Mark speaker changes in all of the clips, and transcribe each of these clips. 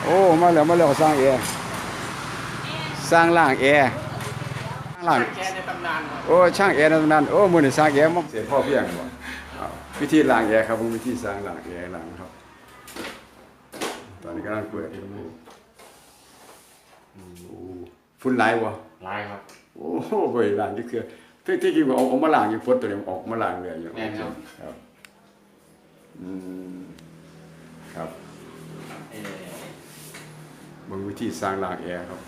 Speaker 1: โอ้มาแล้วสร้างแอร์สร้างล่างแอร์สร้างล่าง
Speaker 2: แกในตำนานครับ
Speaker 1: โอ้ช่างแอร์ในตำนานโอ้มื้อนี้สร้างแอร์มาเสียพ่อเพียงบ่วิธีล้างแอร์ครับผมวิธีสร้างล้างแอร์ล้างครับตอนนี้กำลังเปิดอยู่ฝุ่นหลายบ่
Speaker 2: ลายครับ
Speaker 1: โอ้โหบ่ได้ล้างจักเทื่อที่จริงว่าเอามาล้างอยู่ฝนตัวนี้ออกมาล้างเลยอยู่
Speaker 2: แม่นครับ
Speaker 1: ครับอืมครับเบิ่งวิธีสร้างล้างแอร์ครับ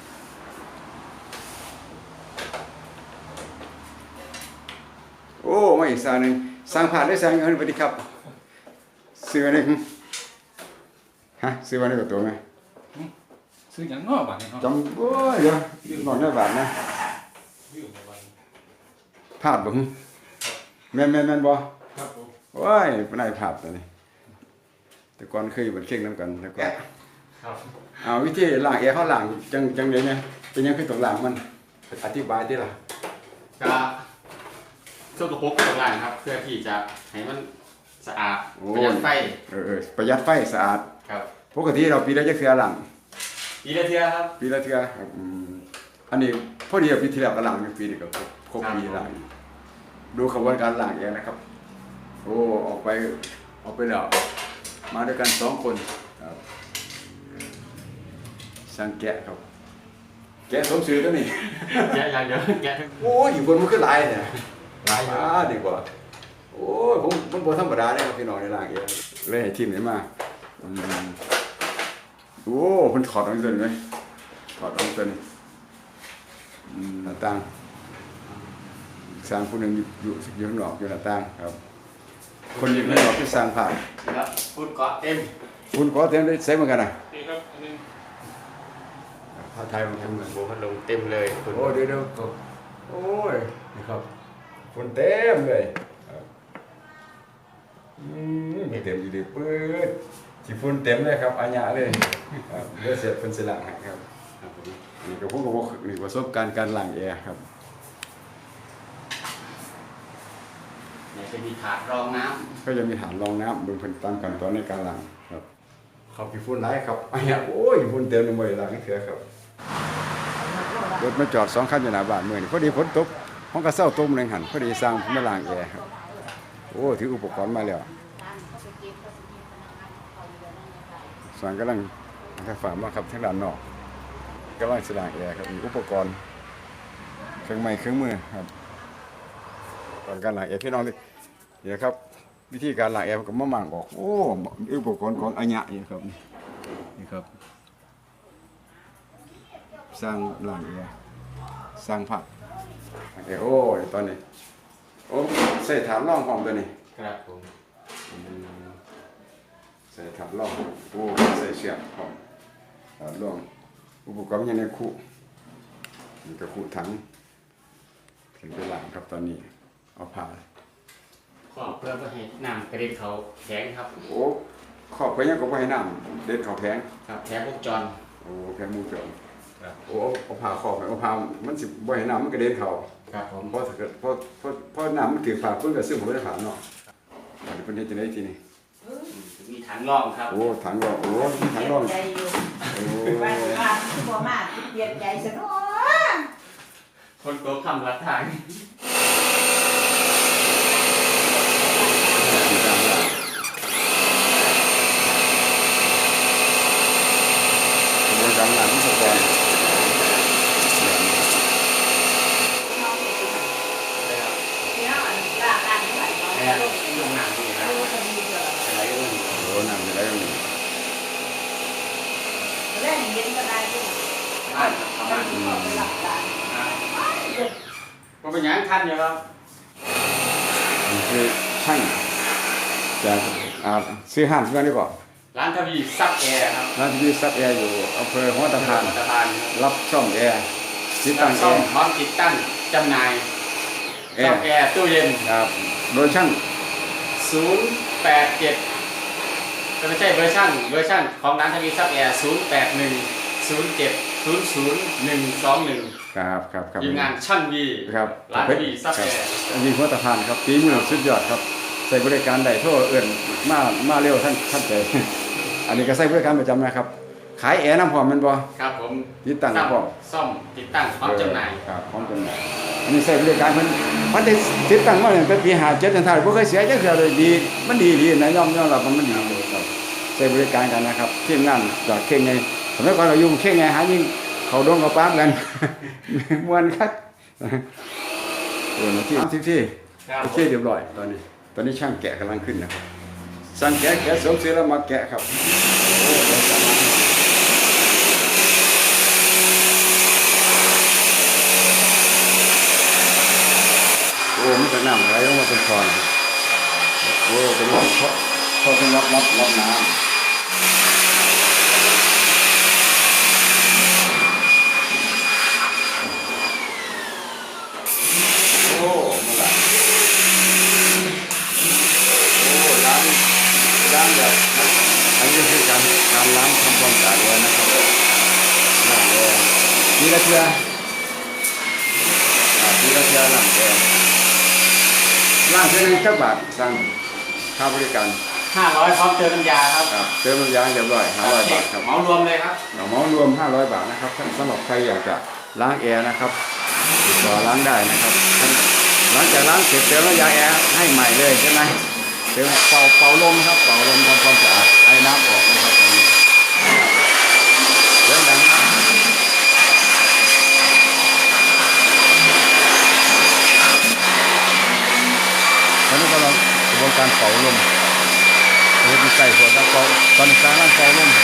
Speaker 1: โอ้มาอีกสร้างหนึงสร้างผ่านได้สร้างเงินสวัสดีครับซื้ออันนี้ฮะซื้อวันนี้กับตัวไหม
Speaker 2: ซื้ออย่างนอกบ้านนี่ครับ
Speaker 1: จำโอ้ยเดี๋ยวหน่อยได้บาทนะภาพบ่แม่นบ่
Speaker 2: ครับผม
Speaker 1: โอ้ยบ่ได้ภาพตัวนี้แต่ก่อนเคยอยู่บนเข่งนำกันแล้วก็
Speaker 2: ครับ
Speaker 1: เอาวิธีล้างแอร์เขาล้างจังได๋เนี่ยเป็นยังคือต้องล้างมันอธิบายติล่ะ
Speaker 2: ก็ช่วงกระปุกตรงล่างครับเพื่อที่จะให้มันสะอาดประหยัดไฟ
Speaker 1: ประหยัดไฟสะอาด
Speaker 2: ครับ
Speaker 1: ปกติเราปีละจักเทื่อล้าง
Speaker 2: ปีละเทื่อครับ
Speaker 1: ปีละเทื่อครับอันนี้พอดีปีที่แล้วก็ล้างอยู่ปีนี้ก็ครบปีล้างดูกระบวนการล้างแอร์นะครับโอ้ออกไปแล้วมาด้วยกัน2คนครับช่างแกะครับแกะสมชื่อตัวนี้
Speaker 2: แกะอย่างเดียวแกะทั้ง
Speaker 1: โอ้ยอยู่บนมันคือหลายเนี่ย
Speaker 2: หลาย
Speaker 1: ดีกว่าโอ้ยผมบ่ธรรมดาเด้ครับพี่น้องในล้างแอร์เลยให้ทีมนี้มาโอ้เพิ่นถอดออกตัวนี้มั้ยถอดออกตัวนี้หน้าต่างสร้างผู้หนึงอยู่ข้างนอกอยู่หน้าต่างครับคนอยู่ข้างนอกที่สร้างผ่าน
Speaker 2: ครับฝุ่นเกาะเต็ม
Speaker 1: คุณขอเต็มได้ใส่เหมือนกันน่ะ
Speaker 2: นี่ครับอันนึง
Speaker 1: ผ้าไทยมันเหมือน
Speaker 2: โบพัดลมเต็มเลยฝุ่น
Speaker 1: โอ้เดี๋ยวโอ้ยนี่ครับฝุ่นเต็มเลยไม่เต็มอยู่ดีปื๊ดสิฝุ่นเต็มเลยครับอาญะเลยครับเดี๋ยวเสร็จเพิ่นสิล้างให้ครับนี่ก็ผมก็บอกนี่ประสบการณ์การล้างแอร์ครับ
Speaker 2: เนี่ยจะมีถาดรองน้
Speaker 1: ำก็จะมีฐานรองน้ำเบิ่งเพิ่นตามขั้นตอนในการล้างครับครับพี่ฝุ่นหลายครับอาญะโอ้ยฝุ่นเต็มเลยบ่ได้ล้างให้เทื่อครับรถมาจอด2คันอยู่หน้าบ้านมื้อนี้พอดีฝนตกห้องก็เซาตมนึงหั่นพอดีสร้างมาล้างแอร์ครับโอ้ถืออุปกรณ์มาแล้วสร้างกำลังฝากมาครับทางด้านนอกกำลังสร้างแอร์ครับมีอุปกรณ์เครื่องไม้เครื่องมือครับก่อนการล้างแอร์พี่น้องนี่ครับวิธีการล้างแอร์ก็มามั่งออกโอ้อุปกรณ์ของอาญะนี่ครับนี่ครับสร้างล้างแอร์สร้างผักโอ้ยตอนนี้โอ้ใส่ฐานรองของตัวนี้
Speaker 2: ครับผม
Speaker 1: ใส่ฐานรองโอ้ใส่เชือกของฐานรองอุปกรณ์ยังในคุนี่ก็คุถังถึงไปล้างครับตอนนี้เอาผ้า
Speaker 2: ขอบเพื่อให้น้ำกระเด็นเขาแข็งครับ
Speaker 1: โอ้ขอบไปยังก็บ่ให้น้ำเด็ดเขาแพง
Speaker 2: ครับแผงวงจร
Speaker 1: โอ้แพงมูจรโอ้เอาผ้าขอบไปเอาผ้ามันสิบ่ให้น้ำมันกระเด็นเขา
Speaker 2: ครับผม
Speaker 1: เพราะถ้าเกิดเพราะน้ำมันถือฝาเพิ่นก็ซื้อผมได้ถามเนาะอันนี้เพิ่นเฮ็ดจังได๋ทีนี้
Speaker 2: มีถังรองครับ
Speaker 1: โอ้ถังรองโอ้มีถังรองโอ้
Speaker 3: ว่าบ่มาเปลี่ยนใจซะเนาะ
Speaker 2: คนโตคำละทาง
Speaker 1: กำลังที่สกอนโอ้นั่งได้ยัง
Speaker 3: เล่นเย็นก็ได้ด้วย
Speaker 2: ก็เป็นอย่างทันอยู่ครับ
Speaker 1: นี่คือช่างจากซื้อห้างเพื่อนได้ป่ะ
Speaker 2: ร้านทวีซับแอร์ครับ
Speaker 1: ร้านทวีซับแอร์อยู่อำเภอหัวตะพานรับช่องแอร์ติดตั้งแอร์
Speaker 2: พร้อมติดตั้งจำหน่ายช่องแอร์ตู้เย็น
Speaker 1: ครับโดยช่าง
Speaker 2: 087ก็ไม่ใช่เวอร์ชันของร้านทวีซับแอร์0810700121
Speaker 1: ครับ
Speaker 2: ทีมงานช่างวี
Speaker 1: ครับ
Speaker 2: ร้านทวีซับแอร์
Speaker 1: อันนี้หัวตะพานครับปีมือสุดยอดครับใส่บริการได้โทษเอื่นมาเร็วท่านใจอันนี้ก็ใส่บริการประจำนะครับขายแอร์น้ำพร้อมแมันบ่
Speaker 2: ครับผม
Speaker 1: ติดตั้งพร้อม
Speaker 2: ซ่อมติดตั้งพร้อมจำหน่าย
Speaker 1: ครับพร้อมจำหน่ายอันนี้ใช้บริการเพิ่นมันได้ติดตั้งมาตั้งแต่ปี57จนเท่าบ่เคยเสียจักเทื่อเลยดีมันดีนะยอมรับว่ามันดีเลยครับใช้บริการกันนะครับทีมงานจากเข่งไงสมัยก่อนเราอยู่เข่งไงหายิงเขาดงเขาปามกัน ม่วนคักโอ้ยที่
Speaker 2: ครับ
Speaker 1: โอเคเรียบร้อยตอนนี้ช่างแกะกำลังขึ้นนะครับช่างแกะสวมเสื้อแล้วมาแกะครับโอ้เดี๋ยวจะมาโอ้มันจะน้ำไหลลงมาเป็นคอนโอ้เป็นรับเพราะเป็นรับน้ำโอ้มันไหลโอ้ล้างแบบอันนี้คือการล้างทำความสะอาดไว้นะครับล้างเลยทีละเทื่อล้างเลยล้างเท่านึงสักบาทสั่งค่าบริการ
Speaker 2: 500พร้อมเจอน้ำยาครับ
Speaker 1: ครับเติมน้ำยาเรียบร้อย500 บาทครับ
Speaker 2: เหมารวมเลยครับ
Speaker 1: เหมารวม500 บาทนะครับสำหรับใครอยากจะล้างแอร์นะครับติดต่อล้างได้นะครับหลังจากล้างเสร็จเติมน้ำยาแอร์ให้ใหม่เลยใช่ไหมเติมเป่าลมครับเป่าลมทำความสะอาดไอ้น้ำออกนะครับตรงนี้เรื่องดังนะตอนนี้กำลังกระบวนการเป่าลมเฮ็ดใส่หัวตะเป่าตอนนี้กำลังเป่าลม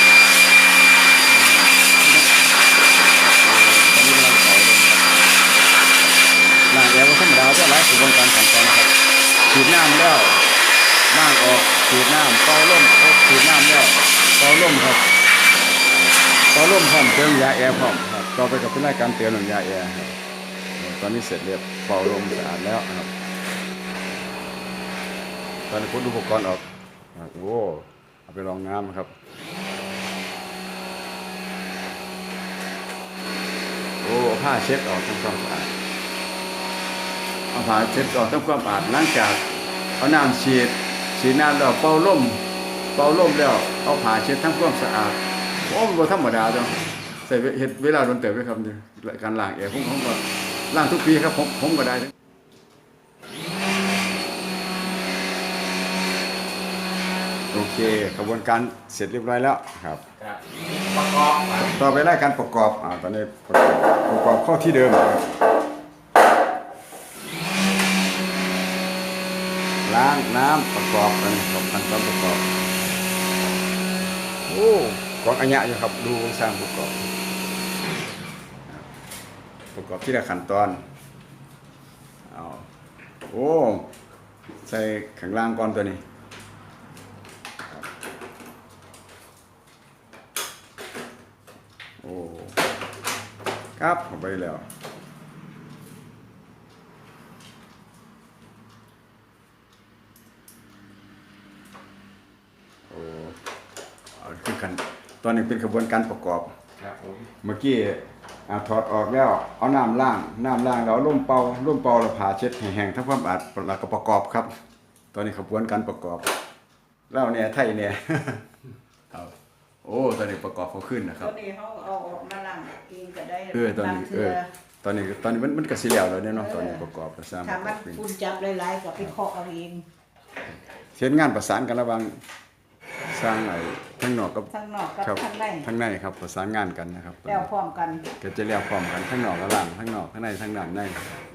Speaker 1: ตอนนี้กำลังเป่าลมครับล้างแอร์ก็ธรรมดาจะหลายกระบวนการขั้นตอนนะครับฉีดน้ำแล้วล้างออกฉีดน้ำเป่าลมฉีดน้ำแล้วเป่าลมครับเป่าลมพร้อมเติมยาแอร์พร้อมครับต่อไปกับเป็นรายการเติมน้ำยาแอร์ครับตอนนี้เสร็จเรียบเป่าลมสะอาดแล้วครับตอนนี้พุทอุปกรณ์ออกโอ้เอาไปรองน้ำครับโอ้ผ้าเช็ดออกทำความสะอาดเอาผ้าเช็ดออกทำความสะอาดหลังจากเอาน้ำฉีดน้ำแล้วเป่าลมแล้วเอาผ้าเช็ดทำความสะอาดโอ้มันบ่ธรรมดาจ้ะใส่เฮ็ดเวลาโดนเติบไว้ครับการล้างแอร์ผมก็ล้างทุกปีครับผมก็ได้โอเคกระบวนการเสร็จเรียบร้อยแล้วครับ
Speaker 2: ครับประกอบ
Speaker 1: ต่อไปรายการประกอบตอนนี้ประกอบเข้าที่เดิมครับล้างน้ำประกอบกันขั้นตอนประกอบโอ้กองอัญญะอยู่ครับดูสร้างประกอบที่ละขั้นตอนเอาโอ้ใส่ข้างล่างก่อนตัวนี้โอ้ครับเข้าไปแล้วโอ้คือกันตอนนี้เป็นกระบวนการประกอบ
Speaker 2: ครับผม
Speaker 1: เมื่อกี้ถอดออกแล้วเอาน้ำล้างแล้วร่มเป่าแล้วผ่าเช็ดให้แห้งทำความสะอาดแล้วก็ประกอบครับ ตอนนี้กระบวนการประกอบแล้วเนี่ยไทยเนี่ย ครับโอ้ตอนนี้ประกอบเขาขึ้นนะค
Speaker 3: ต
Speaker 1: รั
Speaker 3: อบ นนี้เขาเอาออกมาล้างเองก็ได้
Speaker 1: ตอนนี้
Speaker 3: บางเทื่อ
Speaker 1: ตอนนี้มันก็สิแล้วเนี่ยเนาะตอนนี้ประกอบก็สร้างป
Speaker 3: ถ้า
Speaker 1: ระก
Speaker 3: มั
Speaker 1: อน บเป็น
Speaker 3: คุณจับหลายๆก็ไปเคาะเอาเอง
Speaker 1: เฮ็ดงานประสานกันระหว่างสร้างทั้งนอกกับ
Speaker 3: ทั้งนอกกับ
Speaker 1: ครับ
Speaker 3: ทั้งใน
Speaker 1: ทั้งในครับประสานงานกันนะครับ
Speaker 3: แล้วพร้อมกัน
Speaker 1: ก็จะเรียกพร้อมกันทั้งนอกและหลังทั้งนอกทั้งในทั้งด้านใน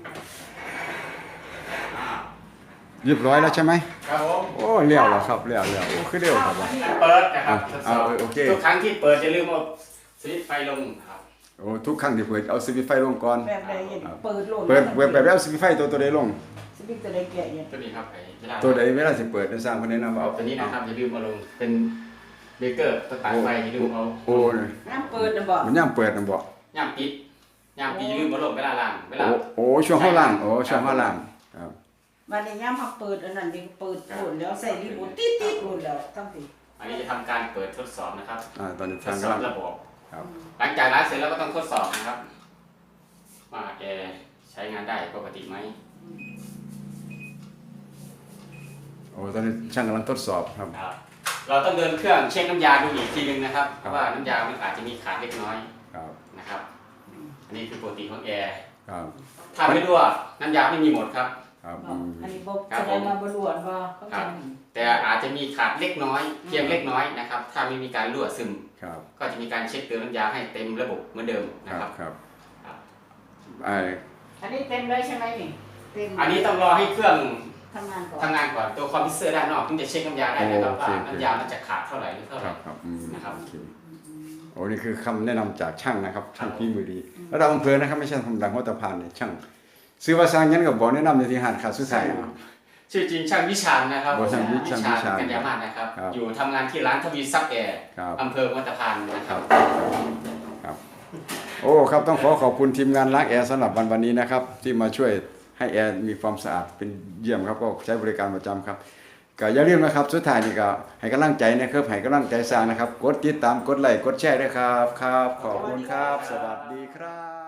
Speaker 1: เรียบร้อยแล้วใช่ไหม
Speaker 2: ครับผม
Speaker 1: โอ้เลี้ยวแล้วครับเลี้ยวโอ้คือเร็วครับว่ะ
Speaker 2: เปิดนะครับทดสอบ
Speaker 1: โอเค
Speaker 2: ทุกครั้งที่เปิดจะลืมเอาสวิตช์ไฟลงครับ
Speaker 1: โอ้ทุกครั้งที่เปิดเอาสวิตช์ไฟลงก่อน
Speaker 3: แบบใดอย่างเปิดโหลด
Speaker 1: เปิดแบบแล้วสวิตช์ไฟตัวใดลง
Speaker 3: สวิตช์ตัวใดแกะอย่าง
Speaker 2: ตัวนี้ครับไอ้เวลา
Speaker 1: ตัวใดเวลาสิเปิดได้สร้างคนแนะนำว่า
Speaker 2: เอา
Speaker 1: เอา
Speaker 2: ตัวนี้นะครับอย่าลืมเอาลงเป็นเบเกอร์สตาร์ทไฟอย่าลืมเอา
Speaker 1: โอ้
Speaker 3: น้ำเปิดนะบอก
Speaker 1: มันย่างเปิดนะบ่
Speaker 2: ย่ามปิดอย่าลืมเอาลงเวลาล้างเวลา
Speaker 1: โอ้ช่วงข้างล่างโอ้ช่วงข้างล่างครับ
Speaker 3: วันนี้ย่ามเขาเปิดอันนั้นเด็กเปิดโหลดแล้วใส่รีโมทติดโหลดแล้วทั้งที
Speaker 2: อันนี้จะทำการเปิดทดสอบนะครับ
Speaker 1: ตอนนี้
Speaker 2: ท
Speaker 1: ทา
Speaker 2: ด
Speaker 1: ง
Speaker 2: สอบ
Speaker 1: กำลัง
Speaker 2: ระบบ
Speaker 1: ครับ
Speaker 2: หลังจากล้างเสร็จแล้วก็ต้องทดสอบนะครับว่าแอร์ใช้งานได้ปกติไหม
Speaker 1: โอ้ตอนนี้ช่างกำลังทดสอบครับ
Speaker 2: ครับเราต้องเดินเครื่องเช็คน้ำยาดูอีกทีนึงนะครับเพราะว่าน้ำยามันอาจจะมีขาดเล็กน้อย
Speaker 1: ครับ
Speaker 2: นะครับอันนี้คือปกติของแอร์
Speaker 1: ครับ
Speaker 2: ถ้าไม่รั่วน้ำยาไม่มีหมดครับ
Speaker 1: ครับ
Speaker 3: อันนี้บอกแสดงมาบรวดว่าเขา
Speaker 2: ครั
Speaker 3: จะ
Speaker 2: บ แต่อาจจะมีขาดเล็กน้อยเพียงเล็กน้อยนะครับถ้าไม่มีการรั่วซึม
Speaker 1: ครับ
Speaker 2: ก็จะมีการเช็คเติมน้ำยาให้เต็มระบบเหมือนเดิม
Speaker 1: ค
Speaker 2: นะ
Speaker 1: รับ
Speaker 2: ครับ
Speaker 1: ครับ
Speaker 2: ครับ
Speaker 1: ไอ้
Speaker 3: อันนี้เต็มเลยใช่ไหมนี่เต็ม
Speaker 2: อันนี้ต้องรอให้เครื่อง
Speaker 3: ทำงานก่อน
Speaker 2: ทำงานก่อนตัวคอมพิวเตอร์ด้านนอกถึงจะเช็คน้ำยาได้นะครับว่าน้ำยามันจะขาดเท่าไหร่หรือเท่าไห
Speaker 1: ค
Speaker 2: ร่
Speaker 1: รับครับ
Speaker 2: นะครับ
Speaker 1: โอเคโอ้นี่คือคำแนะนำจากช่างนะครับช่างฝีมือดีระดับอำเภอนะครับไม่ใช่ธรรมดาหัวตะพานเนี่ยช่างซื้อว่าสร้างยันกับบอกแนะนำในที่หาดขาดสุดท้ายนะ
Speaker 2: ชื่อจริงช่างวิชาญนะครับ
Speaker 1: ช่างวิชาญ
Speaker 2: กัญญามาศนะครับ
Speaker 1: ครับ
Speaker 2: อยู่ทำงานที่ร้านทวีซับแอร์
Speaker 1: ครับ
Speaker 2: อำเภอวัดตะพานนะค
Speaker 1: ค
Speaker 2: รั
Speaker 1: รับ บครับโอ้ครับต้องขอบคุณทีมงานล้างแอร์สำหรับวันนี้นะครับ ที่มาช่วยให้แอร์มีความสะอาดเป็นเยี่ยมครับก็ใช้บริการประจำครับก็อย่าลืมนะครับสุดท้ายนี่ก็ให้กำลังใจนะครับให้กำลังใจสร้างนะครับกดติดตามกดไลค์กดแชร์ด้วยครับครับขอบคุณครับ สวัสดีครับ